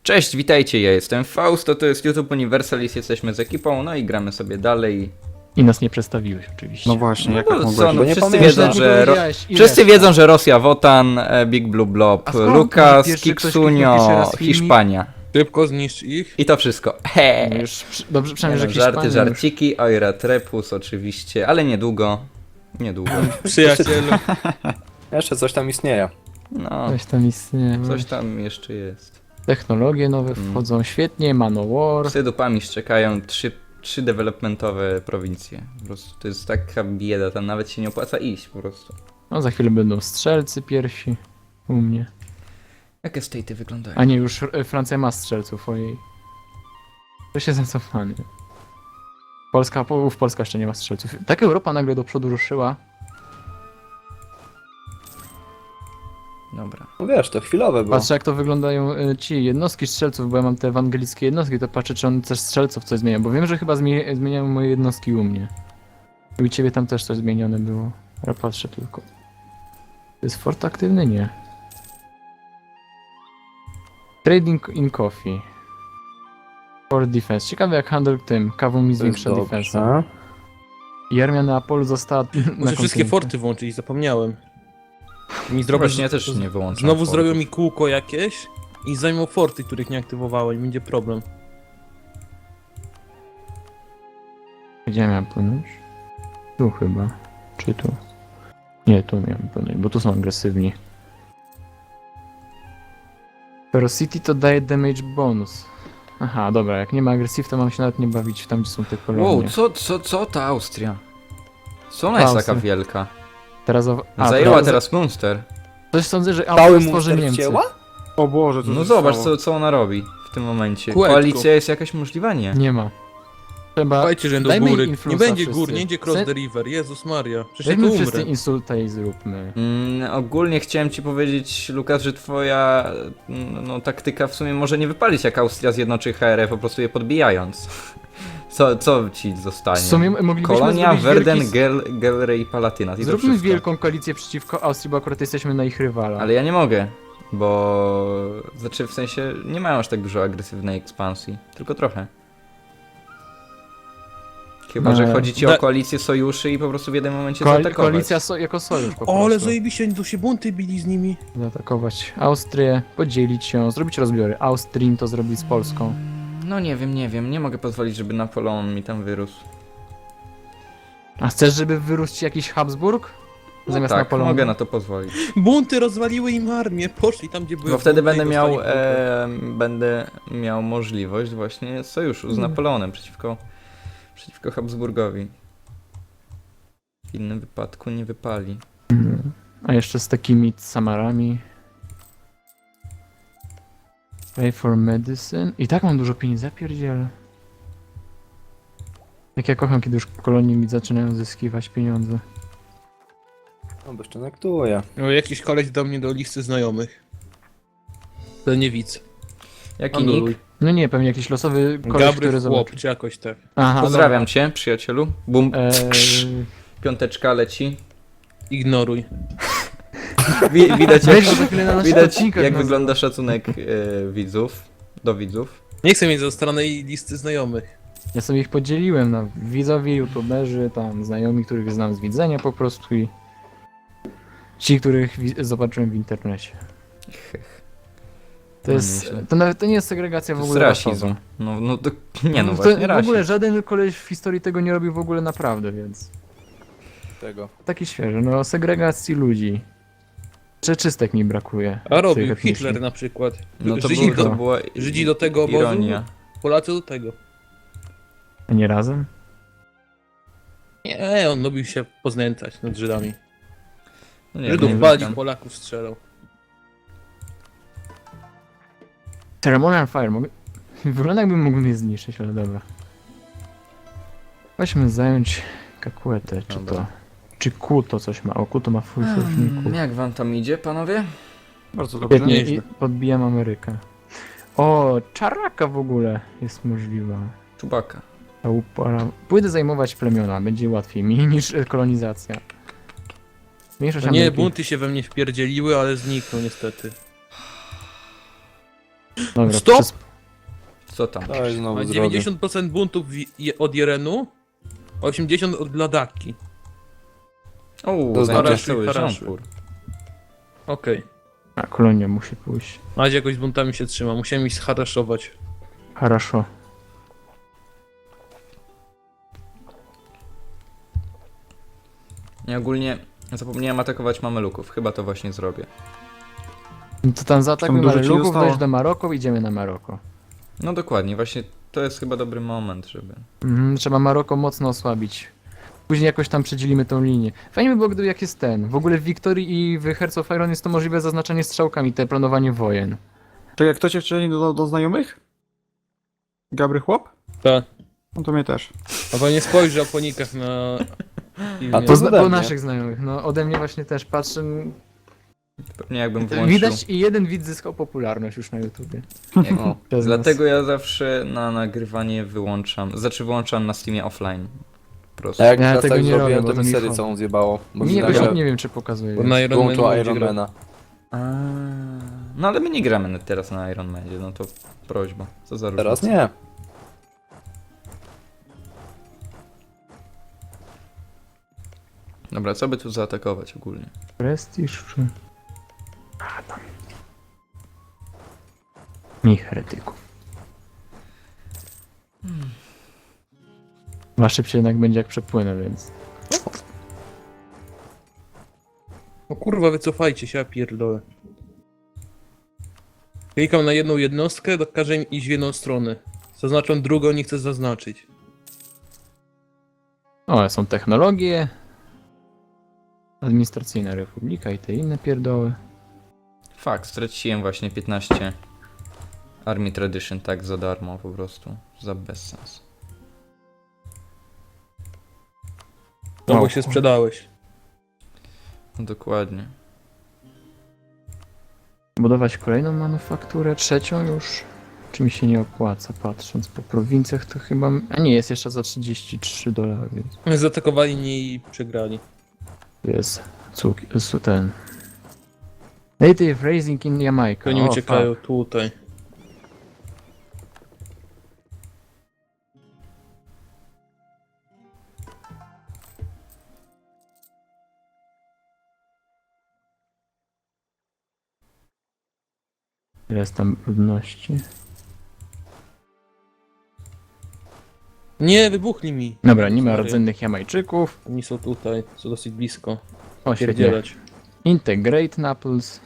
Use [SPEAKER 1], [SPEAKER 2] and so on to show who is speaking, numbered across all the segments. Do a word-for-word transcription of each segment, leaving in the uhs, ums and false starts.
[SPEAKER 1] Cześć, witajcie, ja jestem Fausto, to jest YouTube Universalis, jesteśmy z ekipą, no i gramy sobie dalej.
[SPEAKER 2] I nas nie przedstawiłeś oczywiście.
[SPEAKER 3] No właśnie,
[SPEAKER 1] No
[SPEAKER 3] jak
[SPEAKER 1] bo
[SPEAKER 3] tak
[SPEAKER 1] co,
[SPEAKER 3] mogłeś?
[SPEAKER 1] no
[SPEAKER 3] Bo nie
[SPEAKER 1] wszyscy
[SPEAKER 3] pamiętam.
[SPEAKER 1] wiedzą,
[SPEAKER 2] Nie
[SPEAKER 1] że Ro...
[SPEAKER 2] powiedziałeś, ile
[SPEAKER 1] wszyscy
[SPEAKER 2] jest.
[SPEAKER 1] wiedzą, że Rosja, Wotan, e, Big Blue Blob,
[SPEAKER 2] A skąd
[SPEAKER 1] Lukas,
[SPEAKER 2] pierwszy ktoś
[SPEAKER 1] Kiksunio,
[SPEAKER 2] napisze raz filmik?
[SPEAKER 1] Hiszpania.
[SPEAKER 4] Szybko zniszcz ich.
[SPEAKER 1] I to wszystko. He.
[SPEAKER 2] No już, przy- dobrze,
[SPEAKER 1] Nie
[SPEAKER 2] przynajmniej,
[SPEAKER 1] no,
[SPEAKER 2] że
[SPEAKER 1] żarty,
[SPEAKER 2] Hiszpania już-
[SPEAKER 1] żarciki, Oira Trepus oczywiście, ale niedługo. Niedługo.
[SPEAKER 4] Przyjacielu.
[SPEAKER 3] Jeszcze coś tam istnieje.
[SPEAKER 1] No,
[SPEAKER 2] Coś tam istnieje.
[SPEAKER 1] coś tam jeszcze jest.
[SPEAKER 2] Technologie nowe
[SPEAKER 1] Mm.
[SPEAKER 2] wchodzą świetnie, Manowar.
[SPEAKER 1] Psy dupami czekają trzy, trzy developmentowe prowincje. Po prostu to jest taka bieda, tam nawet się nie opłaca iść po prostu.
[SPEAKER 2] No za chwilę będą strzelcy pierwsi u mnie.
[SPEAKER 1] Jakie state'y wyglądają?
[SPEAKER 2] A nie, już e, Francja ma strzelców, ojej. To się zacofanie. Polska, połów Polska jeszcze nie ma strzelców. Tak Europa nagle do przodu ruszyła.
[SPEAKER 1] Dobra.
[SPEAKER 3] No wiesz, to chwilowe było.
[SPEAKER 2] Patrzę jak to wyglądają e, ci jednostki strzelców, bo ja mam te ewangelickie jednostki, to patrzę czy on też strzelców coś zmienia, bo wiem, że chyba zmie zmieniają moje jednostki u mnie. I u ciebie tam też coś zmienione było. Ja patrzę tylko. To jest fort aktywny? Nie. Trading in coffee. For defense. Ciekawe jak handel tym kawą mi
[SPEAKER 3] To jest
[SPEAKER 2] zwiększa defensa.
[SPEAKER 3] dobrze.
[SPEAKER 2] I armia Neapolu została na
[SPEAKER 4] Muszę wszystkie
[SPEAKER 2] kontynencie.
[SPEAKER 4] forty włączyć, zapomniałem. Mi zrobią,
[SPEAKER 1] Właśnie ja też nie wyłączam
[SPEAKER 4] Znowu
[SPEAKER 1] fortów.
[SPEAKER 4] zrobią mi kółko jakieś i zajmą forty, których nie aktywowałem i będzie problem.
[SPEAKER 2] Gdzie miałem płynąć? Tu chyba. Czy tu? Nie, tu miałem płynąć, bo tu są agresywni. Ferocity to daje damage bonus. Aha, dobra, jak nie ma agresyw, to mam się nawet nie bawić tam, gdzie są te kolonie.
[SPEAKER 1] Wow, co, co, co ta Austria? Co ona jest
[SPEAKER 2] Austria.
[SPEAKER 1] taka wielka?
[SPEAKER 2] Teraz o... A,
[SPEAKER 1] Zajęła
[SPEAKER 2] teraz...
[SPEAKER 1] teraz Munster.
[SPEAKER 2] Coś sądzę, że
[SPEAKER 3] Cały
[SPEAKER 2] Austria stworzy
[SPEAKER 3] Munster
[SPEAKER 2] Niemcy.
[SPEAKER 3] wcięła?
[SPEAKER 5] O Boże, co
[SPEAKER 1] No
[SPEAKER 5] się
[SPEAKER 1] zobacz,
[SPEAKER 5] stało?
[SPEAKER 1] co, co ona robi w tym momencie.
[SPEAKER 4] Kółeczko.
[SPEAKER 1] Koalicja jest jakaś możliwa? Nie.
[SPEAKER 2] Nie ma. Trzeba...
[SPEAKER 4] Słuchajcie, że do
[SPEAKER 2] dajmy
[SPEAKER 4] góry.
[SPEAKER 2] im
[SPEAKER 4] Nie
[SPEAKER 2] influenza
[SPEAKER 4] będzie
[SPEAKER 2] wszyscy.
[SPEAKER 4] gór, nie idzie cross
[SPEAKER 2] Se-
[SPEAKER 4] the river. Jezus Maria. Przecież ja tu
[SPEAKER 2] Weźmy wszyscy
[SPEAKER 4] umrę.
[SPEAKER 2] insulta i zróbmy.
[SPEAKER 1] Mm, ogólnie chciałem ci powiedzieć, Lukas, że twoja mm, no, taktyka w sumie może nie wypalić, jak Austria zjednoczy H R, po prostu je podbijając. Co, co ci zostanie?
[SPEAKER 2] W sumie moglibyśmy
[SPEAKER 1] Kolonia,
[SPEAKER 2] zrobić
[SPEAKER 1] Verden,
[SPEAKER 2] wielki...
[SPEAKER 1] Gel, Gelre i Palatinat. I to
[SPEAKER 2] Zróbmy
[SPEAKER 1] wszystko.
[SPEAKER 2] wielką koalicję przeciwko Austrii, bo akurat jesteśmy na ich rywala.
[SPEAKER 1] Ale ja nie mogę, bo... Znaczy w sensie nie mają aż tak dużo agresywnej ekspansji, tylko trochę. Chyba,
[SPEAKER 2] No,
[SPEAKER 1] że
[SPEAKER 2] ale-
[SPEAKER 1] chodzi ci
[SPEAKER 4] Da-
[SPEAKER 1] o koalicję sojuszy i po prostu w jednym momencie
[SPEAKER 2] Koal-
[SPEAKER 1] zaatakować.
[SPEAKER 2] koalicja so jako sojusz po
[SPEAKER 4] O, ale
[SPEAKER 2] prostu.
[SPEAKER 4] zajebiście, tu się bunty bili z nimi.
[SPEAKER 2] Zaatakować Austrię, podzielić ją, zrobić rozbiory. Austrin to zrobić z Polską.
[SPEAKER 1] No nie wiem, nie wiem, nie mogę pozwolić, żeby Napoleon mi tam wyrósł.
[SPEAKER 2] A chcesz, żeby wyrósł ci jakiś Habsburg?
[SPEAKER 1] No
[SPEAKER 2] Zamiast
[SPEAKER 1] tak,
[SPEAKER 2] Napoleonu?
[SPEAKER 1] mogę na to pozwolić.
[SPEAKER 4] Bunty rozwaliły im armię, poszli tam, gdzie były.
[SPEAKER 1] Bo wtedy
[SPEAKER 4] bunty
[SPEAKER 1] będę
[SPEAKER 4] i
[SPEAKER 1] miał,
[SPEAKER 4] dostali bunty.
[SPEAKER 1] e, będę miał możliwość właśnie sojuszu z
[SPEAKER 2] Mm.
[SPEAKER 1] Napoleonem przeciwko, przeciwko Habsburgowi. W innym wypadku nie wypali.
[SPEAKER 2] Mhm. A jeszcze z takimi Samarami. Pay for medicine. I tak mam dużo pieniędzy, zapierdzielę. Jak ja kocham, kiedy już kolonie mi zaczynają zyskiwać pieniądze.
[SPEAKER 3] No bo jeszcze nektuje.
[SPEAKER 4] No, jakiś koleś do mnie do listy znajomych. To nie widz.
[SPEAKER 1] Jaki
[SPEAKER 4] Anuluj.
[SPEAKER 1] nick?
[SPEAKER 2] No nie, pewnie jakiś losowy koleś, który
[SPEAKER 4] Gabry
[SPEAKER 2] zobaczy.
[SPEAKER 4] chłop, czy jakoś tak.
[SPEAKER 2] Aha,
[SPEAKER 1] Pozdrawiam cię, przyjacielu. Bum,
[SPEAKER 2] dobra. Eee,
[SPEAKER 1] piąteczka leci.
[SPEAKER 4] Ignoruj.
[SPEAKER 1] Wi widać jak,
[SPEAKER 2] weź go za chwilę na naszych
[SPEAKER 1] widać,
[SPEAKER 2] odcinkach
[SPEAKER 1] jak
[SPEAKER 2] nazwę.
[SPEAKER 1] wygląda szacunek e, widzów, do widzów.
[SPEAKER 4] Nie chcę mieć zostaranej listy znajomych.
[SPEAKER 2] Ja sobie ich podzieliłem na widzowie, youtuberzy, tam znajomi, których znam z widzenia po prostu i ci, których wi- zobaczyłem w internecie. To
[SPEAKER 1] No
[SPEAKER 2] jest,
[SPEAKER 1] nieźle.
[SPEAKER 2] to nawet to nie jest segregacja w
[SPEAKER 1] To jest
[SPEAKER 2] ogóle
[SPEAKER 1] rasizm.
[SPEAKER 2] rasowa.
[SPEAKER 1] No, no to, nie no,
[SPEAKER 2] to
[SPEAKER 1] właśnie
[SPEAKER 2] w ogóle
[SPEAKER 1] rasizm.
[SPEAKER 2] żaden koleś w historii tego nie robił w ogóle naprawdę, więc
[SPEAKER 3] Tego.
[SPEAKER 2] taki świeży, no segregacji ludzi. Czeczystek mi brakuje.
[SPEAKER 4] A robił
[SPEAKER 2] tych etnicznych.
[SPEAKER 4] Hitler na przykład.
[SPEAKER 1] No to,
[SPEAKER 4] Żydzi,
[SPEAKER 1] był, to
[SPEAKER 4] do,
[SPEAKER 1] była
[SPEAKER 4] Żydzi do tego obozu,
[SPEAKER 1] ironia.
[SPEAKER 4] Polacy do tego.
[SPEAKER 2] A nie razem?
[SPEAKER 4] Nie, on lubił się poznęcać nad Żydami.
[SPEAKER 1] No nie,
[SPEAKER 4] Żydów
[SPEAKER 1] nie
[SPEAKER 4] palił,
[SPEAKER 1] wiem.
[SPEAKER 4] Polaków strzelał.
[SPEAKER 2] Ceremonial Fire, mogę... Wygląda jakbym mógł mnie zniszczyć, ale dobra. Weźmy zająć Kakuetę, czy
[SPEAKER 1] Dobra.
[SPEAKER 2] to... Czy Kuto coś ma? O, Kuto ma full sojuszników.
[SPEAKER 1] Hmm, jak wam tam idzie, panowie?
[SPEAKER 5] Bardzo dobrze.
[SPEAKER 2] Świetnie, i
[SPEAKER 4] nieźle.
[SPEAKER 2] podbijam Amerykę. O, czaraka w ogóle jest możliwa.
[SPEAKER 1] Czubaka.
[SPEAKER 2] Ta upara... Pójdę zajmować plemiona, będzie łatwiej mi niż e, kolonizacja. Większość
[SPEAKER 4] No nie,
[SPEAKER 2] Ameryki...
[SPEAKER 4] bunty się we mnie wpierdzieliły, ale zniknął niestety.
[SPEAKER 2] Dobra,
[SPEAKER 4] Stop!
[SPEAKER 2] przez...
[SPEAKER 1] Co tam?
[SPEAKER 3] Daj znowu
[SPEAKER 4] Ma
[SPEAKER 3] zrobię.
[SPEAKER 4] dziewięćdziesiąt procent buntów wi- je- od Jerenu, osiemdziesiąt procent od Ladaki.
[SPEAKER 1] O,
[SPEAKER 3] To
[SPEAKER 1] znajdziesz
[SPEAKER 4] znaczy
[SPEAKER 1] cały
[SPEAKER 4] haraszuj.
[SPEAKER 1] żąpur.
[SPEAKER 4] Okej.
[SPEAKER 2] A, kolonia musi pójść.
[SPEAKER 4] Macie jakoś z buntami się trzyma, musiałem ich zharaszować.
[SPEAKER 2] Хорошо.
[SPEAKER 1] Ja ogólnie zapomniałem atakować mameluków. Chyba to właśnie zrobię.
[SPEAKER 2] No to tam zaatakujmy
[SPEAKER 5] Tam dużo ci
[SPEAKER 2] Mameluków,
[SPEAKER 5] zostało.
[SPEAKER 2] dojść do Maroko, idziemy na Maroko.
[SPEAKER 1] No dokładnie, właśnie to jest chyba dobry moment, żeby...
[SPEAKER 2] Mhm, trzeba Maroko mocno osłabić. Później jakoś tam przedzielimy tą linię. Fajnie by było, gdyby jak jest ten. W ogóle w Wiktorii i w Hearts of Iron jest to możliwe zaznaczenie strzałkami, te planowanie wojen.
[SPEAKER 5] Czekaj, kto cię wcześniej do, do znajomych? Gabry chłop?
[SPEAKER 4] Tak.
[SPEAKER 5] No to mnie też.
[SPEAKER 4] A pan nie spojrzy o ponikach na...
[SPEAKER 3] A
[SPEAKER 2] Po,
[SPEAKER 3] to
[SPEAKER 2] zna-
[SPEAKER 3] ode
[SPEAKER 2] po
[SPEAKER 3] mnie.
[SPEAKER 2] naszych znajomych, no ode mnie właśnie też patrzę.
[SPEAKER 1] Pewnie jakbym włączył...
[SPEAKER 2] Widać i jeden widz zyskał popularność już na YouTubie.
[SPEAKER 1] Jak...
[SPEAKER 3] O,
[SPEAKER 2] Przez
[SPEAKER 1] Dlatego ja zawsze na nagrywanie wyłączam, znaczy wyłączam na Steamie offline. Po prostu.
[SPEAKER 3] A jak
[SPEAKER 2] Ja
[SPEAKER 3] ja
[SPEAKER 2] tego
[SPEAKER 3] tak
[SPEAKER 2] nie
[SPEAKER 3] zrobiłem,
[SPEAKER 2] robię, bo
[SPEAKER 3] to
[SPEAKER 2] to
[SPEAKER 3] mi
[SPEAKER 2] mi
[SPEAKER 3] serię
[SPEAKER 2] wchodzi.
[SPEAKER 3] całą zjebało. Bo
[SPEAKER 2] nas.
[SPEAKER 3] mi
[SPEAKER 2] Nie,
[SPEAKER 3] nagle
[SPEAKER 2] właśnie nie wiem czy pokazuje.
[SPEAKER 4] Bo na Iron
[SPEAKER 3] wyłączyła
[SPEAKER 4] Manu
[SPEAKER 3] Iron
[SPEAKER 4] będzie
[SPEAKER 3] Mana.
[SPEAKER 1] A, no ale my nie gramy na- teraz na Iron Manie, no to prośba. Co za różnica.
[SPEAKER 3] Teraz nie.
[SPEAKER 1] Dobra, co by tu zaatakować ogólnie?
[SPEAKER 2] Prestiż czy... A, tam. Mi heretyków. Ma szybciej jednak będzie jak przepłynę, więc...
[SPEAKER 4] O kurwa, wycofajcie się, ja pierdolę. Klikam na jedną jednostkę, to każę im iść w jedną stronę. Zaznaczam drugą, nie chcę zaznaczyć.
[SPEAKER 2] O, są technologie. Administracyjna republika i te inne pierdoły.
[SPEAKER 1] Fakt, straciłem właśnie piętnaście Army Tradition tak za darmo po prostu. Za bezsens.
[SPEAKER 4] No
[SPEAKER 2] Wow.
[SPEAKER 4] bo się sprzedałeś.
[SPEAKER 1] No dokładnie.
[SPEAKER 2] Budować kolejną manufakturę, trzecią już. Czy mi się nie opłaca, patrząc po prowincjach to chyba... A nie, jest jeszcze za trzydzieści trzy dolary, więc...
[SPEAKER 4] Zaatakowali mnie i przegrali.
[SPEAKER 2] Jest cuk... su- ten... Native Raising in Jamaica.
[SPEAKER 4] To nie
[SPEAKER 2] O,
[SPEAKER 4] uciekają
[SPEAKER 2] fuck.
[SPEAKER 4] tutaj.
[SPEAKER 2] Ile jest tam ludności?
[SPEAKER 4] Nie, wybuchli mi.
[SPEAKER 2] Dobra, nie ma
[SPEAKER 4] Sorry.
[SPEAKER 2] rdzennych Jamajczyków.
[SPEAKER 4] Oni są tutaj, są dosyć blisko.
[SPEAKER 2] O, świetnie.
[SPEAKER 4] Pierdzielać.
[SPEAKER 2] Integrate Naples.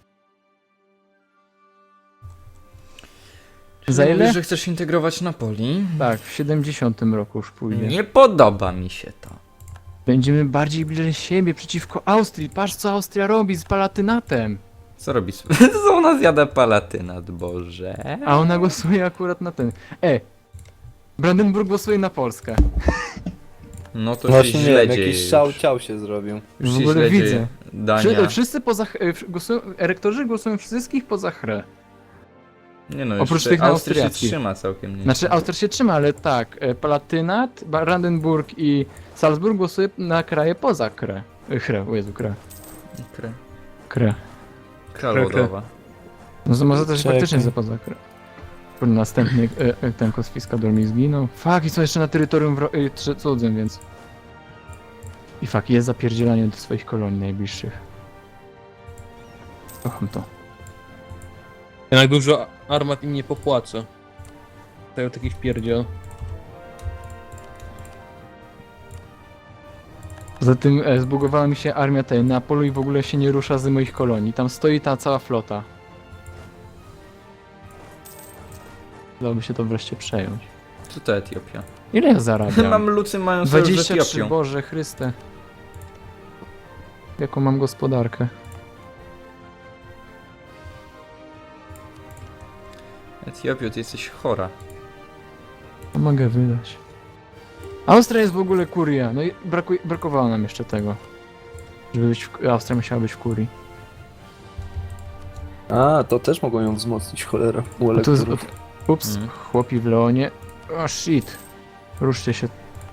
[SPEAKER 2] Za
[SPEAKER 1] Czyli
[SPEAKER 2] ile?
[SPEAKER 1] mówisz, że chcesz integrować Napoli?
[SPEAKER 2] Tak, w siedemdziesiątym roku już pójdzie.
[SPEAKER 1] Nie podoba mi się to.
[SPEAKER 2] Będziemy bardziej bliżej siebie przeciwko Austrii. Patrz co Austria robi z Palatynatem.
[SPEAKER 1] Co robi? Co ona zjada palatynat, Boże?
[SPEAKER 2] A ona głosuje akurat na ten. E! Brandenburg głosuje na Polskę.
[SPEAKER 1] No to się
[SPEAKER 3] Właśnie nie
[SPEAKER 1] źle
[SPEAKER 3] wiem,
[SPEAKER 1] dzieje
[SPEAKER 3] jakiś
[SPEAKER 1] już.
[SPEAKER 3] szał ciał się zrobił.
[SPEAKER 1] Już
[SPEAKER 2] W
[SPEAKER 1] się
[SPEAKER 2] ogóle
[SPEAKER 1] źle
[SPEAKER 2] widzę.
[SPEAKER 1] dzieje. Dania.
[SPEAKER 2] Wszy, wszyscy poza. e, w- Głosują, elektorzy głosują wszystkich poza chrę.
[SPEAKER 1] Nie no,
[SPEAKER 2] Oprócz
[SPEAKER 1] jeszcze
[SPEAKER 2] tych
[SPEAKER 1] Austria się
[SPEAKER 2] austriackich.
[SPEAKER 1] trzyma całkiem nieźle.
[SPEAKER 2] Znaczy Austria się trzyma, ale tak. e, Palatynat, Brandenburg i Salzburg głosuje na kraje poza krę. E, Chrę, o Jezu, krę.
[SPEAKER 1] Kre...
[SPEAKER 2] Krę.
[SPEAKER 1] Kralodowa.
[SPEAKER 2] No to może też
[SPEAKER 3] Czekaj.
[SPEAKER 2] faktycznie za poza krę. Kurde, Następny e, e, ten kosfiskador mi zginął. Fuck, i są jeszcze na terytorium wro- e, trzy- cudzym, więc... I fuck, jest zapierdzielanie do swoich kolonii najbliższych. Kocham to.
[SPEAKER 4] Jednak dużo armat im nie popłaca. Dają takich pierdziel.
[SPEAKER 2] Poza tym e, zbugowała mi się armia tej Neapolu i w ogóle się nie rusza z moich kolonii. Tam stoi ta cała flota. Dałoby się to wreszcie przejąć.
[SPEAKER 1] Co to Etiopia?
[SPEAKER 2] Ile ja zarabiam?
[SPEAKER 1] Mam lucy mają sojusz z
[SPEAKER 2] dwadzieścia trzy,
[SPEAKER 1] Etiopią.
[SPEAKER 2] Boże Chryste. Jaką mam gospodarkę?
[SPEAKER 1] Etiopio, ty jesteś chora.
[SPEAKER 2] Co mogę wydać? Austria jest w ogóle kuria. No i braku- brakowało nam jeszcze tego. Żeby być w... Austria musiała być w kurii.
[SPEAKER 3] A, to też mogą ją wzmocnić, cholera. U
[SPEAKER 2] A tu jest...
[SPEAKER 3] elektorów.
[SPEAKER 2] Ups,
[SPEAKER 1] Mhm.
[SPEAKER 2] chłopi w Leonie. O shit. Ruszcie się.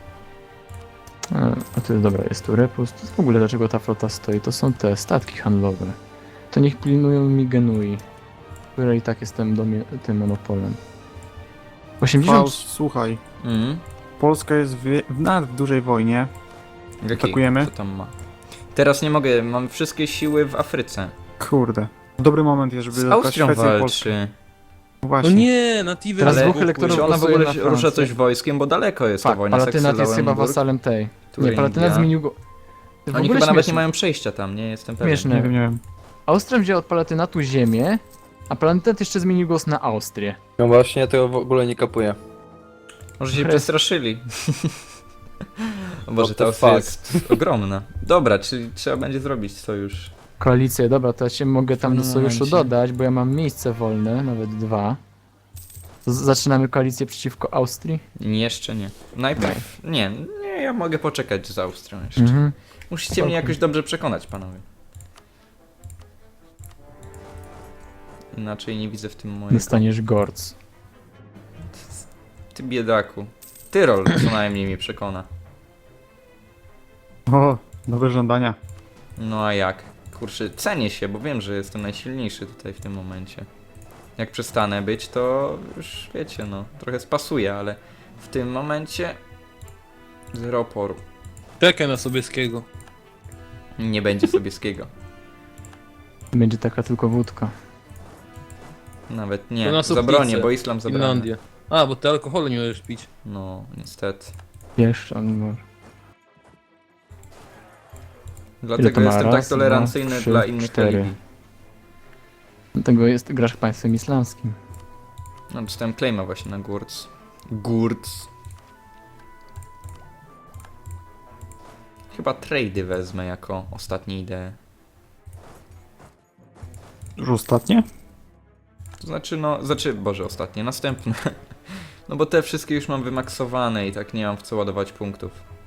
[SPEAKER 2] A, a to jest dobra, jest tu repust. W ogóle dlaczego ta flota stoi? To są te statki handlowe. To niech pilnują mi Genui. które i tak jestem domie- tym monopolem. osiemdziesiąt...
[SPEAKER 5] Faust, słuchaj.
[SPEAKER 1] Mhm.
[SPEAKER 5] Polska jest w, w, nawet w dużej wojnie.
[SPEAKER 1] Jakiej?
[SPEAKER 5] Atakujemy?
[SPEAKER 1] Co tam ma? Teraz nie mogę, mam wszystkie siły w Afryce.
[SPEAKER 5] Kurde. Dobry moment jest, żeby
[SPEAKER 1] Z
[SPEAKER 5] zabrać
[SPEAKER 1] Austrią
[SPEAKER 5] Szwecję i Polskę.
[SPEAKER 1] walczy.
[SPEAKER 4] No
[SPEAKER 5] Właśnie.
[SPEAKER 4] nie, na Tivę
[SPEAKER 2] Teraz
[SPEAKER 1] Ale
[SPEAKER 2] dwóch elektorów
[SPEAKER 1] Czy ona w
[SPEAKER 2] głosuje
[SPEAKER 1] ogóle
[SPEAKER 2] na
[SPEAKER 1] rusza
[SPEAKER 2] Francję.
[SPEAKER 1] coś wojskiem, bo daleko jest ta
[SPEAKER 2] Fakt,
[SPEAKER 1] wojna.
[SPEAKER 2] Palatynat jest chyba
[SPEAKER 1] Saksy-Lauenburg,
[SPEAKER 2] wasalem tej. Nie,
[SPEAKER 1] Turingia.
[SPEAKER 2] Palatynat zmienił go... W
[SPEAKER 1] Oni
[SPEAKER 2] ogóle
[SPEAKER 1] chyba nawet nie
[SPEAKER 2] śmieszne.
[SPEAKER 1] mają przejścia tam, nie jestem pewien.
[SPEAKER 2] Śmieszne.
[SPEAKER 5] Nie wiem, nie wiem.
[SPEAKER 2] Austrią wzięła od Palatynatu ziemię, a Palatynat jeszcze zmienił głos na Austrię.
[SPEAKER 3] No właśnie, tego w ogóle nie kapuję.
[SPEAKER 1] Może się
[SPEAKER 2] Chres-
[SPEAKER 1] przestraszyli. O Boże,
[SPEAKER 3] What
[SPEAKER 1] ta
[SPEAKER 3] the
[SPEAKER 1] Austria
[SPEAKER 3] fuck?
[SPEAKER 1] jest ogromna. Dobra, czyli trzeba będzie zrobić sojusz.
[SPEAKER 2] Koalicję, dobra, to ja się mogę tam do
[SPEAKER 1] pewnym
[SPEAKER 2] sojuszu
[SPEAKER 1] momencie.
[SPEAKER 2] dodać, bo ja mam miejsce wolne, nawet dwa. Z- zaczynamy koalicję przeciwko Austrii.
[SPEAKER 1] Nie, jeszcze nie. Najpierw. Nie, nie, ja mogę poczekać z Austrią jeszcze.
[SPEAKER 2] Mhm.
[SPEAKER 1] Musicie
[SPEAKER 2] Spoko.
[SPEAKER 1] mnie jakoś dobrze przekonać, panowie. Inaczej nie widzę w tym mojego.
[SPEAKER 2] Dostaniesz Gorc.
[SPEAKER 1] Ty biedaku. Tyrol co najmniej mnie przekona.
[SPEAKER 5] O, dobre żądania.
[SPEAKER 1] No a jak? Kurczę, cenię się, bo wiem, że jestem najsilniejszy tutaj w tym momencie. Jak przestanę być, to już wiecie, no, trochę spasuję, ale w tym momencie zero oporu.
[SPEAKER 4] Czekaj na Sobieskiego.
[SPEAKER 1] Nie będzie Sobieskiego.
[SPEAKER 2] Będzie taka tylko wódka.
[SPEAKER 1] Nawet
[SPEAKER 4] To
[SPEAKER 1] nie.
[SPEAKER 4] na
[SPEAKER 1] Zabronię,
[SPEAKER 4] Soplicę,
[SPEAKER 1] bo islam zabrania.
[SPEAKER 4] Finlandia. A, bo ty alkoholu nie możesz pić.
[SPEAKER 1] No, niestety.
[SPEAKER 2] Jeszcze on może.
[SPEAKER 1] Dlatego
[SPEAKER 2] to ma?
[SPEAKER 1] jestem
[SPEAKER 2] Raz,
[SPEAKER 1] tak tolerancyjny
[SPEAKER 2] dwa, trzy,
[SPEAKER 1] dla innych
[SPEAKER 2] cztery.
[SPEAKER 1] religii.
[SPEAKER 2] Dlatego jest, grasz państwem islamskim.
[SPEAKER 1] No, dostałem claima właśnie na Gurz. Gurz. Chyba trady wezmę jako ostatnie idee.
[SPEAKER 5] Już ostatnie?
[SPEAKER 1] To znaczy, no, znaczy, boże, ostatnie, następne. No bo te wszystkie już mam wymaksowane i tak nie mam w co ładować punktów.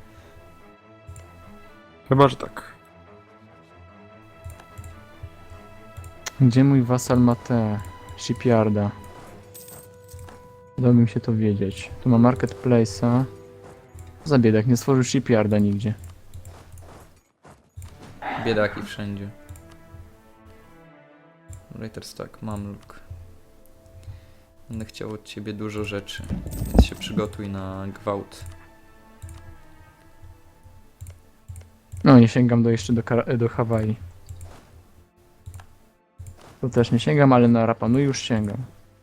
[SPEAKER 5] Chyba, że tak.
[SPEAKER 2] Gdzie mój wasal ma te shipyarda? Dałbym się to wiedzieć. Tu ma marketplace'a. Za biedak, nie stworzył shipyarda nigdzie.
[SPEAKER 1] Biedaki wszędzie. Writers tak, Mamluk. Będę chciał od ciebie dużo rzeczy, więc się przygotuj na gwałt.
[SPEAKER 2] No, nie sięgam do jeszcze do, Kara- do Hawaii. To też nie sięgam, ale na Rapa Nui już sięgam.